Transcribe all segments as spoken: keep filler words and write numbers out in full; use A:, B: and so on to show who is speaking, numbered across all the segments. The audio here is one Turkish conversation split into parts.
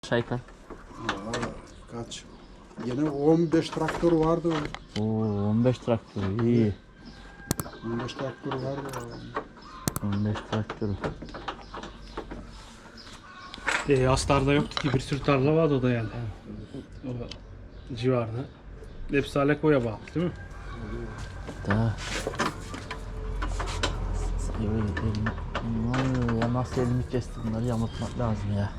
A: Şayka.
B: Kaç? Yine on beş traktör vardı.
A: Oo, on beş traktör iyi.
B: on beş traktör vardı.
A: on beş traktör.
C: E, Astar'da yoktu ki bir sürü tarla vardı o da yani. O civarda. Hepsi Aleko'ya bağlı değil mi?
A: Da. Ya nasıl elimi kesti bunları yamutmak lazım ya.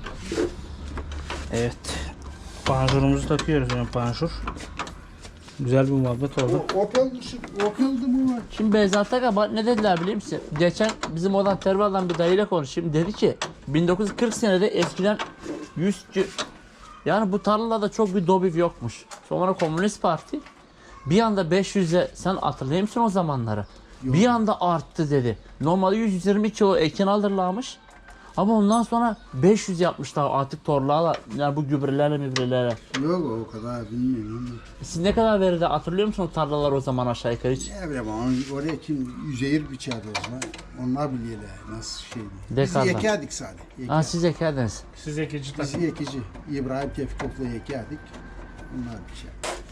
C: Evet. Panjurumuzu takıyoruz yani panjur. Güzel bir muhabbet oldu.
B: O, Opel, Opel'di mi var?
A: Şimdi Beyzat Aga ne dediler biliyor musun? Geçen bizim oradan Terval'dan bir dayıyla konuşayım. Dedi ki bin dokuz yüz kırk senede eskiden yüz yani bu tarlalarda çok bir dobiv yokmuş. Sonra Komünist Parti bir anda beş yüze sen hatırlayır mısın o zamanları? Yok. Bir anda arttı dedi. Normalde yüz yirmi kilo ekin alırlarmış. Ama ondan sonra beş yüz yapmışlar artık torlarla, yani bu gübrelerle mübrelerle.
B: Yok o kadar bilmiyorum.
A: Siz ne kadar verirdi hatırlıyor musun o tarlalar o zaman aşağı yukarı hiç?
B: Ne bileyim ama oraya kim yüzeyir biçerdi o zaman. Onlar biliyorlar nasıl şeydi. Biz
A: Dekardan.
B: yekerdik sadece. Yeker.
A: Ha siz ekerdiniz.
C: Siz ekici
B: Biz
C: takın.
B: yekici. İbrahim Tevfikov'la yekerdik. Onlar biçer.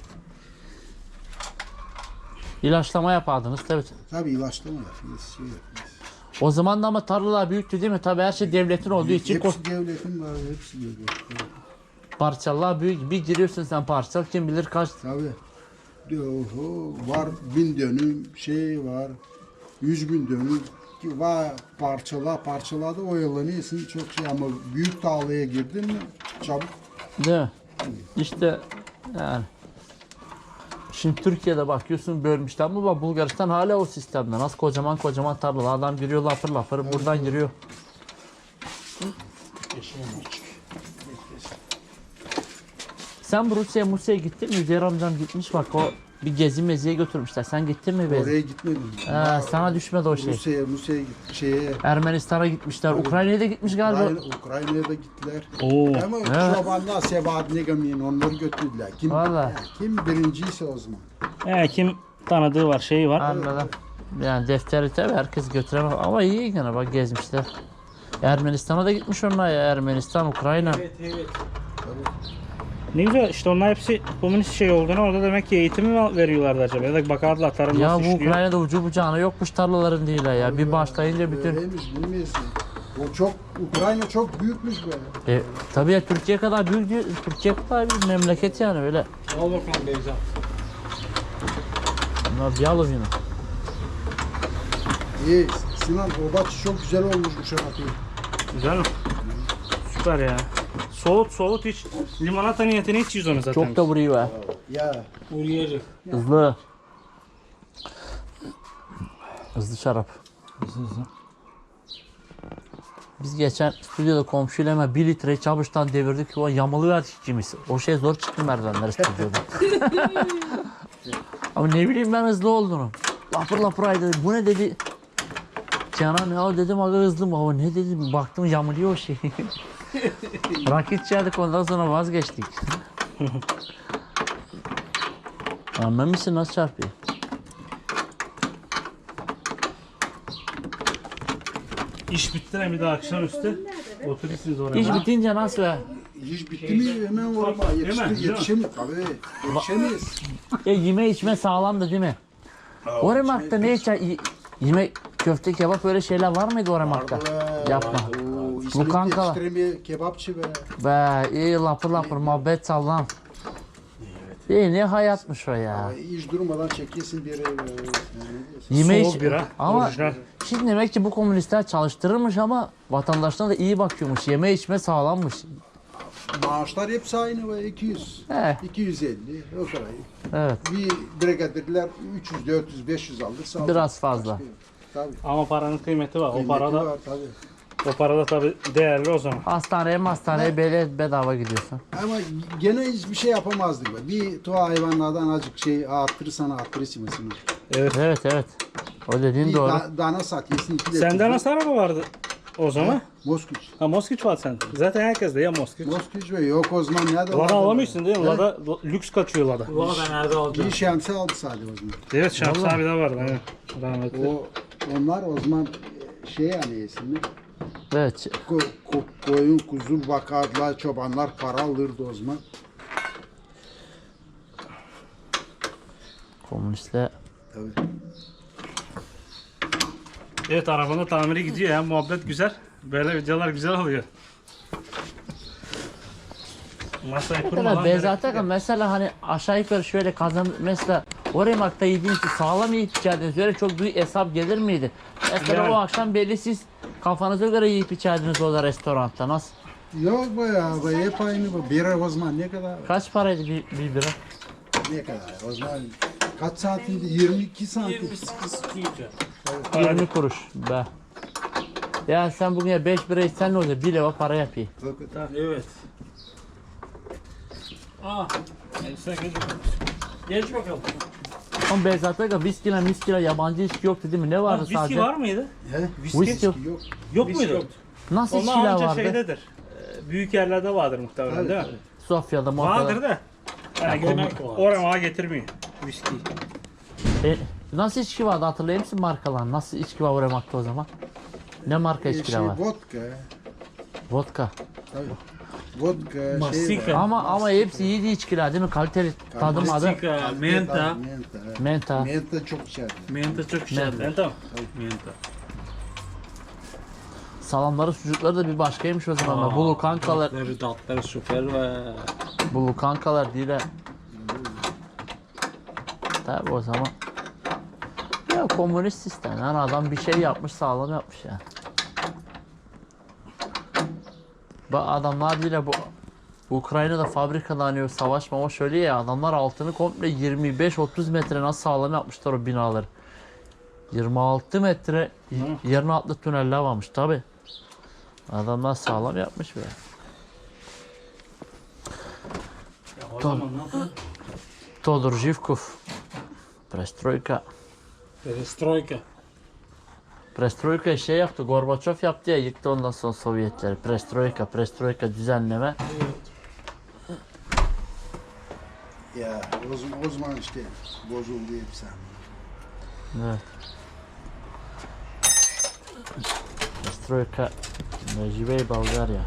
A: İlaçlama yapardınız tabii.
B: Tabii ilaçlama yapıyoruz. Şey yapıyoruz.
A: O zaman da ama tarlalar büyüktü değil mi? Tabii her şey devletin olduğu için
B: Hepsi
A: ko-
B: devletin var. Hepsi devletin.
A: parçalar büyük. Bir giriyorsun sen parçal kim bilir kaç.
B: Tabii. Oho, var bin dönüm şey var. Yüz bin dönüm ki var parçalar parçalarda oyalanıyorsun çok şey ama büyük tarlaya girdin mi çabuk.
A: Değil mi? İşte yani. Şimdi Türkiye'de bakıyorsun bölmüşler ama bak Bulgaristan hala o sistemde. Nasıl kocaman kocaman tarlalar. Adam giriyor lapır lapır buradan giriyor. Sen bu Rusya'ya Musya'ya gittin mi? Üzeyir amcam gitmiş bak o bir gezi meziye götürmüşler. Sen gittin mi? Beyza?
B: Oraya gitmedim.
A: He, sana düşmedi o şey.
B: Rusya'ya, Rusya'ya git, şeye,
A: Ermenistan'a gitmişler. Ukrayna'ya da gitmiş galiba.
B: Ukrayna, Ukrayna'ya da gittiler.
C: Oo.
B: Ama
A: Evet.
B: Şaban'da Sevadine Gami'nin onları götürdüler. Kim,
A: Vallahi.
B: kim birinciyse o zaman.
C: He, kim tanıdığı var, şeyi var.
A: Anladım. Yani defteri tabii herkes götüremez ama iyi gene bak gezmişler. Ermenistan'a da gitmiş onlar ya. Ermenistan, Ukrayna.
C: Ne güzel işte onlar hepsi komünist şey olduğunu orada demek ki eğitimi mi veriyorlardı acaba ya da bakardılar tarım
A: Ya
C: nasıl
A: bu
C: işliyor.
A: Ukrayna'da ucu bucağına yokmuş tarlaların değil ya. Bir başlayınca bütün...
B: Öyleymiş bilmiyorsun. O çok, Ukrayna çok büyükmüş böyle.
A: E, tabii ya Türkiye kadar büyük değil. Türkiye kadar bir memleket yani öyle.
C: Al bakalım Beyza.
A: Bunlar yalov yine.
B: İyi, Sinan o bahçe çok güzel olmuş bu şarkı.
C: Güzel mi? Süper ya. Soğut soğut hiç limonata niyetine hiç onu zaten.
A: Çok da vuruyor ha.
B: Ya
C: Uriyacı.
A: Hızlı. Hızlı şarap. Biz geçen stüdyoda komşuyla hemen bir litre çabuştan devirdik. O yamalıverdik ikimiz. O şey zor çıktı merdivenler stüdyoda. Ama ne bileyim ben hızlı olduğunu. Lapır lapır ay dedi. Bu ne dedi. Canan ya dedim aga hızlı mı? O ne dedim. Baktım yamuluyor o şey. Rakit içerdik ondan sonra vazgeçtik. Anlamışsın nasıl çarpıyor?
C: İş bitti mi bir daha akşamüstü oturursunuz oraya.
A: İş bitince nasıl ya?
B: iş bitti mi hemen orama yetiştir, yetişemeyiz. Tabii yetişemeyiz.
A: E, yeme içme sağlamdı değil mi? O remarkta ne içer? Yeme köfte kebap öyle şeyler var mıydı o remarkta? Yapma.
B: Oo,
A: Bu
B: İsmet
A: kanka.
B: yetiştiremiyor, kebapçı be.
A: Be iyi lapır lapır muhabbet sallam. İyi ne hayatmış o ya.
B: İş durmadan çekiyorsun bir yere.
A: Yeme
C: Soğuk
A: iç.
C: bira,
A: Ama
C: orijinal.
A: şimdi demek ki bu komünistler çalıştırırmış ama vatandaşlarına da iyi bakıyormuş. Yeme içme sağlammış.
B: Maaşlar hepsi aynı ve iki yüz.
A: He.
B: iki yüz elli o kadar.
A: Evet.
B: Bir brigadirler üç yüz, dört yüz, beş yüz alırsa
A: Biraz fazla.
B: Tabii.
C: Ama paranın kıymeti var. O
B: Kıymeti
C: parada
B: var, tabii.
C: o parada tabii değerli o zaman.
A: Hastaneye hastaneye böyle bedava gidiyorsun.
B: Ama gene hiçbir şey yapamazdık. be. Bir tuha hayvanlardan azıcık şey arttırırsan arttırırsın mesela.
C: Evet.
A: Evet evet. O dediğin
B: Bir
A: doğru.
B: da, dana sat yesin iki de.
C: Sende nasıl araba vardı o zaman?
B: Moskviç.
C: Ha Moskviç var sende. Zaten herkes de ya Moskviç.
B: Moskviç ve yok o zaman nerede?
C: Lada alamıyorsun değil mi? Lada lüks kaçıyor Lada.
D: Valla ben nerede aldım?
B: Bir şemsi aldı sadece o zaman.
C: Evet Şams abi de vardı. Evet. Rahmetli.
B: O, onlar o zaman şey yani yesinler.
A: Evet.
B: Ko- ko- koyun kuzu bakardılar, çobanlar para alırdı o zaman.
A: Komünistler
B: Tabii.
C: Evet, arabanın tamiri gidiyor ya, muhabbet güzel. Böyle videolar güzel oluyor. Masayı
A: ne
C: kurmadan
A: kadar
C: direkt
A: Beyzat Akın mesela hani aşağı yukarı şöyle kazan mesela oraya makta yediğiniz için sağlam yiyip içerdiniz. Öyle çok büyük hesap gelir miydi? Mesela
C: Yani.
A: o akşam belli siz kafanıza göre yiyip içerdiniz o da restoranda. Nasıl?
B: Yok be ya, be hep aynı bu. Bira o zaman ne kadar?
A: Kaç paraydı bir, bir bira?
B: Ne kadar? O zaman kaç saatinde? yirmi iki santim.
A: yirmi kuruş be. Ya sen bugün ya beş bira içsen ne olacak? bir lira para yapayım.
C: Evet. Aa, sen geç bakalım. Geç bakalım.
A: Ama Beyzat Akın viskiyle miskiyle yabancı içki yoktu değil mi? Ne vardı
C: Viski
A: sadece?
C: var mıydı?
B: He?
A: Viski yok.
B: Yok.
C: Yok
B: Viski
C: muydu?
B: yoktu.
A: Nasıl
C: Onlar
A: içkiler
C: anca
A: vardı?
C: şeydedir. Ee, Büyük yerlerde vardır muhtemelen,
B: Evet,
C: değil mi?
B: evet.
A: Sofya'da, Mofya'da.
C: Vardır da. Yani
A: komik
C: gene oraya getirmiyor viski.
A: E, nasıl içki vardı hatırlayayım mısın markalar? Nasıl içki var Uremak'ta o zaman? Ne marka
B: Ee,
A: içkiler
B: şey,
A: var?
B: vodka.
A: Vodka.
B: Tabii. Vodka şey
C: Mastika.
B: var.
A: Ama ama hepsi iyi değil içkiler değil mi? Kaliteli tadım adı.
C: Mastika, menta.
B: Menta. Menta.
A: Menta.
B: Menta çok içerdi.
C: Menta çok güzel. Menta. Menta.
A: Salamları sucukları da bir başkaymış o zaman. Bulu kankalar.
C: Tatları, tatları süper ve
A: Bulu kankalar değil ha. Tabi o zaman. Ya komünist sistem. Yani adam bir şey yapmış sağlam yapmış yani. Bak adamlar bile bu Ukrayna'da fabrikalanıyor savaş mava şöyle ya adamlar altını komple yirmi beş otuz metre nasıl sağlam yapmışlar o binaları. yirmi altı metre y- yerin altlı tüneller varmış tabi. Adamlar sağlam yapmış be.
C: o zaman nasıl?
A: Todor Zhivkov. Perestroika.
C: Perestroika.
A: Perestroika şey yaptı, Gorbaçov yaptı ya yıktı ondan sonra Sovyetleri. Perestroika, perestroika düzenleme.
B: Ya o zaman, o zaman işte bozuldu hepsi.
A: Evet. Perestroika, Mecibey Bulgarya.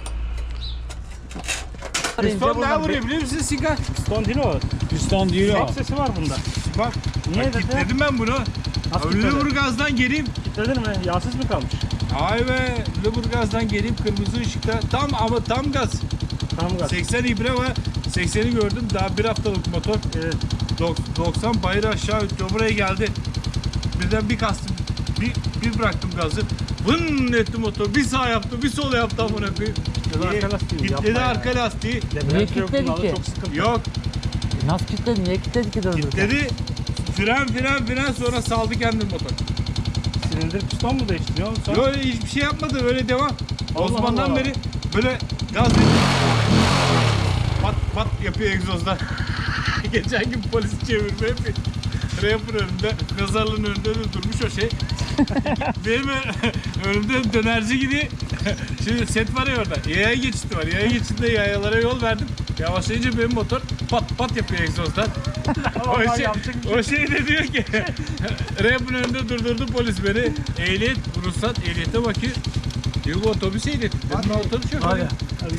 D: Piston ne vuruyor biliyor musun Sigar?
C: Piston değil o.
D: Piston değil o.
C: Çok sesi var bunda.
D: Bak,
C: Niye
D: bak
C: dedi?
D: kilitledim ben bunu.
C: Nasıl kilitledin?
D: Lüleburgaz'dan geleyim.
C: Kilitledin mi? Yağsız mı kalmış?
D: Ay be, Lüleburgaz'dan geleyim kırmızı ışıkta. Tam ama tam gaz.
C: Tam gaz.
D: seksen ibre var. sekseni gördüm. Daha bir haftalık motor.
C: Evet.
D: Dok- doksan bayır aşağı ötüyor. Buraya geldi. Birden bir kastım. Bir, bir bıraktım gazı. Vın etti motor. Bir sağ yaptı, bir sol yaptı amına koyayım.
C: Kitledi arka lastiği,
D: Kitledi
C: yapma ya.
D: arka lastiği.
A: Niye
C: Debriyaj yok
A: kilitledi
C: bunlarda,
A: ki?
C: çok sıkıntı.
D: Yok.
A: Nasıl kilitledi? Niye kilitledi ki döndü?
D: Kitledi. Fren fren fren sonra saldı kendini motor.
C: Silindir piston mu değiştiriyor? Sonra
D: Yok hiçbir şey yapmadı öyle devam. O
C: Allah
D: zamandan
C: Allah.
D: beri böyle gaz dedi. Pat pat yapıyor egzozlar. Geçen gün polis çevirme yapıyor. Rapper önünde, mezarlığın önünde de durmuş o şey. Benim ö- önümde dönerci gibi. Şimdi set var ya orada. Yaya geçidi var. Yaya geçidinde yayalara yol verdim. Yavaşlayınca benim motor pat pat yapıyor egzozlar. o,
C: Allah,
D: şey,
C: yapacak bir şey
D: o şey de diyor ki Rap'in önünde durdurdu polis beni. Ehliyet, ruhsat, ehliyete bakıyor. Diyor bu otobüs ehliyeti. Dedim ben otobüs yok.
C: Hadi.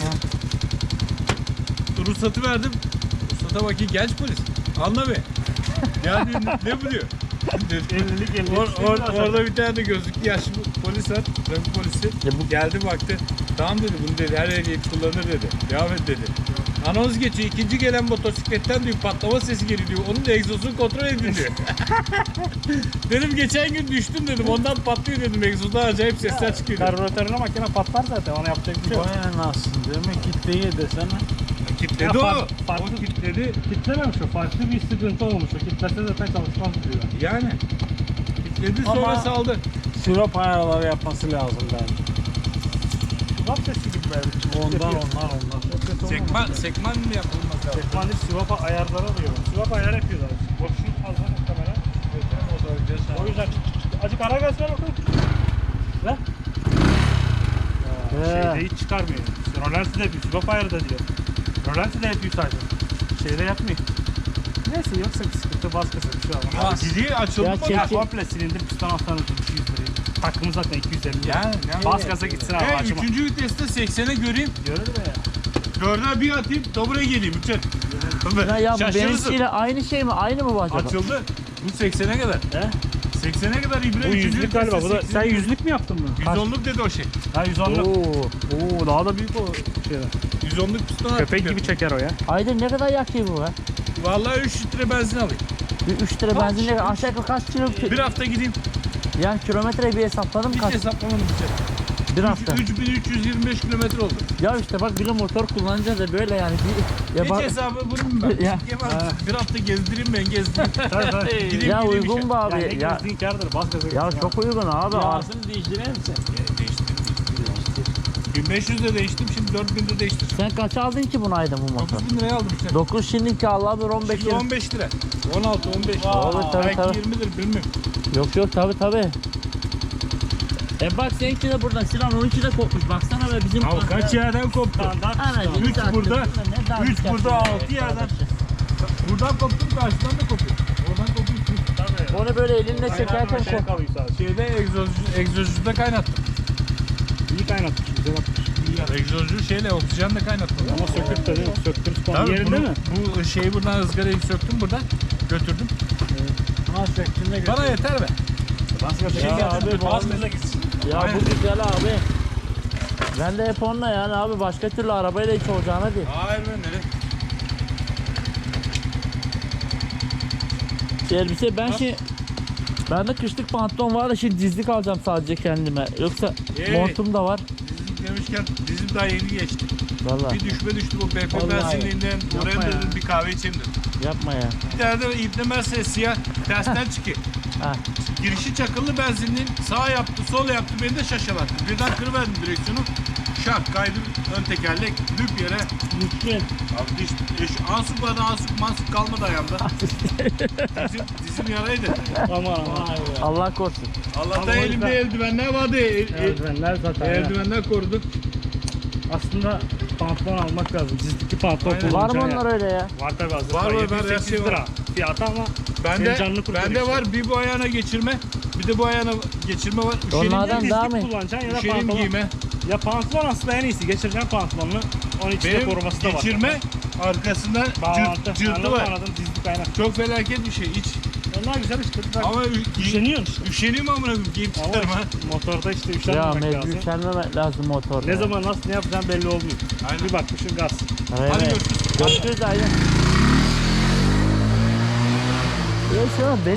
D: Ruhsatı verdim. Ruhsata bakayım genç polis. Anla be. Ya diyor, ne, ne bu diyor.
C: ellilik ellilik.
D: Or, or, orada bir tane de gözlüklü yaşlı polis var. Trafik polisi.
A: Ya bu-
D: Geldi baktı. Tamam dedi bunu dedi her ehliyet kullanır dedi. Devam et dedi. Anons geçiyor. İkinci gelen motosikletten diyor patlama sesi geliyor diyor. Onun da egzozunu kontrol edin diyor. Dedim geçen gün düştüm dedim. Ondan patlıyor dedim. Egzozdan acayip sesler çıkıyor. dedim.
C: Karbüratörüne makine patlar zaten, ona yapacak bir şey yok.
E: Vay anasını demek kitleyi desene.
D: Kitledi
C: Ya
D: o.
C: fark- farklı-
D: O kitledi.
C: Kitlememiş o, farklı bir sıkıntı olmuş o. Kitlese zaten çalışmaz diyor.
D: Yani. Kitledi sonra
E: Ama-
D: saldı.
E: Sürop ayarları yapması lazım bence.
C: Sivap sesi gibi belki.
E: Ondan onlar ondan.
D: Sekman, sekman mı yapılmaz lazım?
C: Sekman değil, Sivap ayarları alıyor. Sivap ayar yapıyorlar. Boşluk fazla muhtemelen. O yüzden acık ara gaz ver bakalım. Ver. Şeyde hiç çıkarmıyor. Rolanti de yapıyor. Sivap ayarı da diyor. Rolanti de yapıyor sadece. Şeyde yapmıyor. Neyse yoksa bir sıkıntı baskısı bir şey olmaz.
D: Ya dili açıldı
A: Ya
D: mı?
A: çek-
C: Ya komple silindir piston alttan ötürü yüz lirayı. Takımı zaten iki yüz elli.
D: Yani, yani.
C: Bas gaza gitsin abi.
D: He,
C: açma.
D: üçüncü viteste seksene göreyim.
C: Görür mü ya?
D: Dörde bir atayım, dobraya geleyim. Üçer.
A: Ya, ya bu
D: Şaşırırsın.
A: benimkiyle aynı şey mi? Aynı mı bu acaba?
D: Açıldı. Bu seksene kadar.
C: He?
D: seksene kadar İbre.
C: Bu
D: üçüncü
C: yüzlük galiba. Bu da,
D: viteste
C: sen
D: seksene
C: yüzlük mü yaptın bunu?
D: yüz onluk dedi o şey.
C: Ha yüz onluk.
A: Oo.
C: Oo daha da büyük o şeyler.
D: yüz onluk piston
C: Köpek
D: attık.
C: gibi çeker o ya.
A: Aydın ne kadar yakıyor bu be?
D: Vallahi üç litre benzin alayım.
A: Bir üç lira benzinle aşağı yukarı kaç kilo?
D: Bir hafta gideyim.
A: Yani kilometre bir hesapladım
D: Hiç
A: kaç?
D: hesaplamadım bir
A: Bir hafta.
D: üç bin üç yüz yirmi beş kilometre oldu.
A: Ya işte bak bir de motor kullanınca da böyle yani. Bir, ya
D: Hiç
A: bak,
D: hesabı vurayım ben.
A: Ya.
D: Yemem. Bir hafta gezdireyim ben gezdireyim.
C: Tabii tabii.
D: Gideyim
A: ya
D: gideyim
A: uygun
D: işe.
A: bu
C: Ya
A: abi.
C: ne
A: Ya,
C: gezdiğin kârdır. Bas gaza
A: ya
C: gitsin
A: çok uygun abi. Ar-
E: Yağsını değiştirir misin?
D: Değiştirdim. bin beş yüzde değiştim, şimdi dört binde değiştireceğim.
A: Sen kaç aldın ki bunu Aydın bu motor?
D: dokuz bin liraya aldım işte.
A: dokuz şimdiki Allah bir on beş
D: Şimdi
A: lira.
D: on beş lira. on altı on beş.
A: Tabii, tabii,
D: Belki
A: tabii.
D: yirmidir bilmiyorum.
A: Yok yok tabi tabi. E bak seninki de buradan Sinan onunki de kopmuş baksana be bizim.
D: Abi kaç yerden koptu?
C: Standart.
A: Anacığım,
D: Üç
A: sattın.
D: burada,
A: Ne daha
D: üç
A: güzel
D: burada,
A: şey
D: altı
A: ya.
D: yerden. Buradan koptum, karşıdan da kopuyor. Oradan kopuyor.
C: Tabii.
A: Onu böyle elinle çekerken
C: Şey
A: kop.
C: kalıyor sadece.
D: Şeyde egzozcu, egzozcuda kaynattım.
C: İyi kaynatmış. Güzel atmış.
D: Egzozcu şeyle oksijenle kaynattım.
C: Ama söküp de değil mi? Söktürüp falan.
D: Tabii
C: Yerinde
D: bunu-
C: mi?
D: Bu şeyi buradan ızgarayı söktüm buradan. Götürdüm.
E: Ha söktüğünde götür.
D: Bana yeter be.
C: Bas gaza
A: Ya
C: gitsin.
A: abi,
C: Bas gaza gitsin.
A: Ya
D: Aynen.
A: bu güzel abi. Ben de hep onunla yani abi başka türlü arabayla hiç olacağına değil.
D: Hayır be nereye?
A: Elbise ben şey bende kışlık pantolon var da şimdi dizlik alacağım sadece kendime. Yoksa
D: Hey.
A: montum da var.
D: Dizim demişken dizim daha yeni geçti.
A: Vallahi
D: Bir düşme düştü bu B P
A: Vallahi.
D: benzinliğinden. Oraya
A: Yapma ya.
D: dedim bir kahve içeyim dedim.
A: yapma ya.
D: Bir tane de İbnemezse siyah tersten çıkıyor.
A: Ha.
D: Girişi çakıllı benzinliğin sağ yaptı sol yaptı beni de şaşalattı. Birden kırıverdim direksiyonu. Şak kaydım ön tekerlek düp yere.
A: Gitti.
D: Abi diş, diş, ansuk vardı ansuk mansuk kalmadı ayağımda. dizim, dizim yaraydı.
C: Aman aman.
A: Allah korusun.
D: Allah'tan
C: Ama
D: elimde
C: orada-
D: eldivenler vardı. El, el,
C: Eldivenler zaten. ya.
D: eldivenler korudu.
C: Aslında pantolon almak lazım. Dizlikli pantolon
D: Aynen.
A: Var mı
C: kullanacaksın
A: onlar öyle ya?
C: ya. Var tabii hazır.
D: Var, var, var,
C: yedi yüz sekiz
D: her şey var.
C: lira fiyatı ama
D: Bende,
C: senin canını kurtarıyor
D: bende
C: işte.
D: var bir bu ayağına geçirme. Bir de bu ayağına geçirme var. Üşenim,
A: Onlardan
C: Dizlik
A: daha mı?
C: kullanacaksın ya da
D: üşenim
C: pantolon.
D: giyme.
C: Ya pantolon aslında en iyisi. Geçireceksin pantolonunu. Onun içinde
D: Benim
C: koruması da var.
D: geçirme arkasında
C: Bağlantı.
D: cırt, cırtı
C: Anladın,
D: var.
C: Anladın dizlik kaynak.
D: Çok felaket bir şey. Hiç.
C: Onlar güzel işte.
D: Ama ü-
C: Üşeniyorsun işte.
D: üşeniyorum amına koyayım. Giyip
C: Ama
D: çıkarım ha.
C: motorda işte
A: Ya
C: üşenmemek
A: mecbur
C: lazım.
A: üşenmemek lazım motorda.
C: Ne zaman nasıl ne yapacağın belli olmuyor.
D: Aynen.
C: Bir bakmışsın gaz.
A: Evet.
D: Hadi görüşürüz.
A: Görüşürüz Aydın. Ya şu an benim